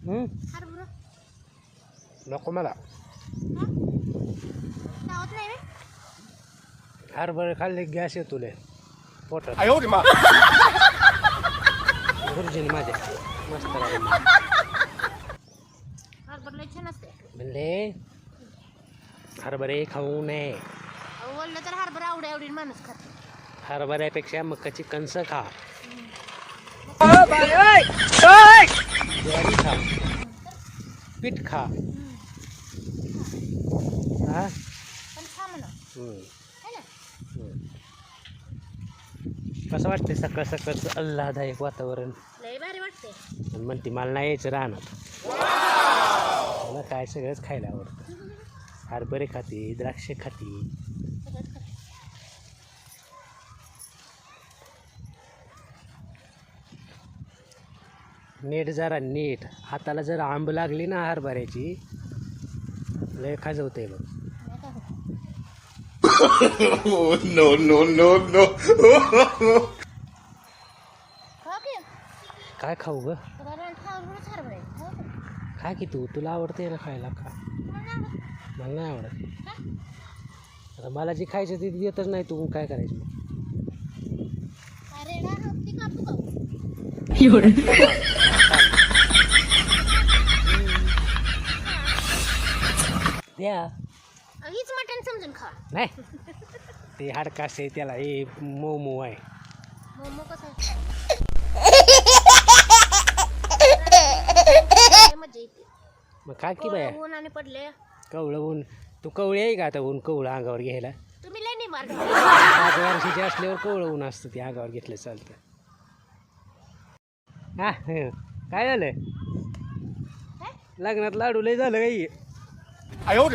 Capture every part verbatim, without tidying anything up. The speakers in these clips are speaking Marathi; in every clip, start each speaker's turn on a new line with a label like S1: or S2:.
S1: हं?
S2: हरभरा
S1: नको मला.
S2: लावत नाही रे.
S1: हरभरे खाल्ले गॅस येतो लय पोटात. गुरुजीने माझ्या मस्त लागले.
S2: हरभरा लय छान असते.
S1: म्हणले हरभरे खाऊ नये.
S2: अहो, बोललं तर हरभरा आवडी आवडीने माणूस खाते.
S1: हरभऱ्यापेक्षा मकाची कणस खा. ज्वारी खा. पीठ खा. हा
S2: पण खा म्हणा
S1: हं.
S2: है ना.
S1: हं. कसं वाटते सकाळ सकाळचं आल्हादायक वातावरण.
S2: लय भारी वाटते.
S1: आणि म्हणते मला नाही यायचं राहणार. मला काय सगळंच खायला आवडतं. हरभरे खाते, द्राक्षे खाते.
S2: सगळंच खाते.
S1: नीट जरा नीट हाताला जर आंब लागली ना हरभऱ्याची लय खाजवते बघ.
S2: नाही का होत.
S3: no, no, no, no.
S2: खा की.
S1: काय खाऊ ग?
S2: तुला रान हरभराच हरभरा आहे. खाऊ का?
S1: खा की तू, तुला आवडते ना खायला खा.
S2: तुम्हाला नाही आवडत?
S1: मला नाही आवडत.
S2: खा.
S1: आता मला जी खायचं ती देतच नाही तू काय करायचं मग?
S2: अरे ना ती कापू का?
S1: द्या
S2: हीच मटण समजून खा.
S1: नाही ते हाडकास आहे त्याला हे मोमो आहे.
S2: मोमो कसं आहे? मजा येते.
S1: मग खा की बाया.
S2: ऊन आणि पडले.
S1: कवळं ऊन तू कवळी आहे का आता ऊन कवळं अंगावर घ्यायला?
S2: तुम्ही लय नाही मार.
S1: पाच वर्षाचे असल्यावर कवळं ऊन असतं ते अंगावर घेतलं चालतं. हा हं. काय झालं
S2: काय?
S1: लग्नात लाडू लय झालं काही. मग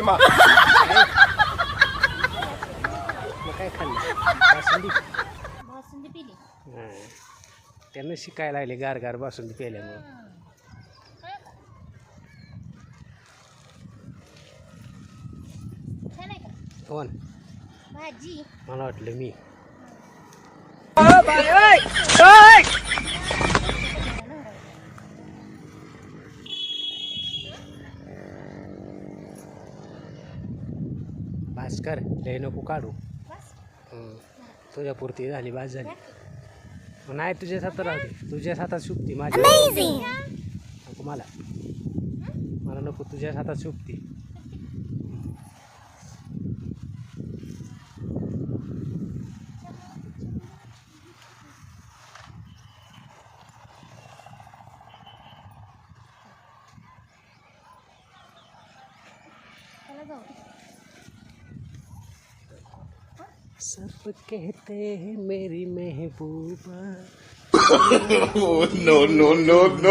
S1: काय खाल्लं? बासुंदी.
S2: बासुंदी पिली.
S1: हां त्यानं शिकायला लागले गार गार बासुंदी प्यायल्यामुळं.
S2: छान आहे का
S1: कोण?
S2: भाजी?
S1: मला वाटलं मी. भास्कर लय नको काढू.
S2: बस.
S1: हं. तुझ्यापुरती झाली बाज झाली. नाही तुझ्याच हातात राहते. तुझ्याच हातात शुभती माझ्या नको मला. मला नको तुझ्याच हातात शुभती.
S2: चला जाऊ.
S1: सब कहते हैं मेरी महबूबा.
S3: no, no, no, no.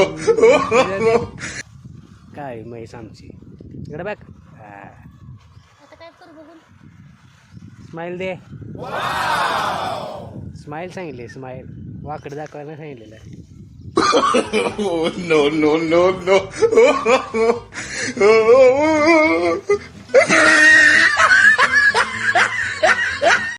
S1: काय म्हैस आमची इकडे बघ.
S2: आता काय करू बघून?
S1: स्माईल दे. स्माईल सांगितले. स्माईल वाकड दाखवायला सांगितलेलं आहे.
S3: no, no, no, no.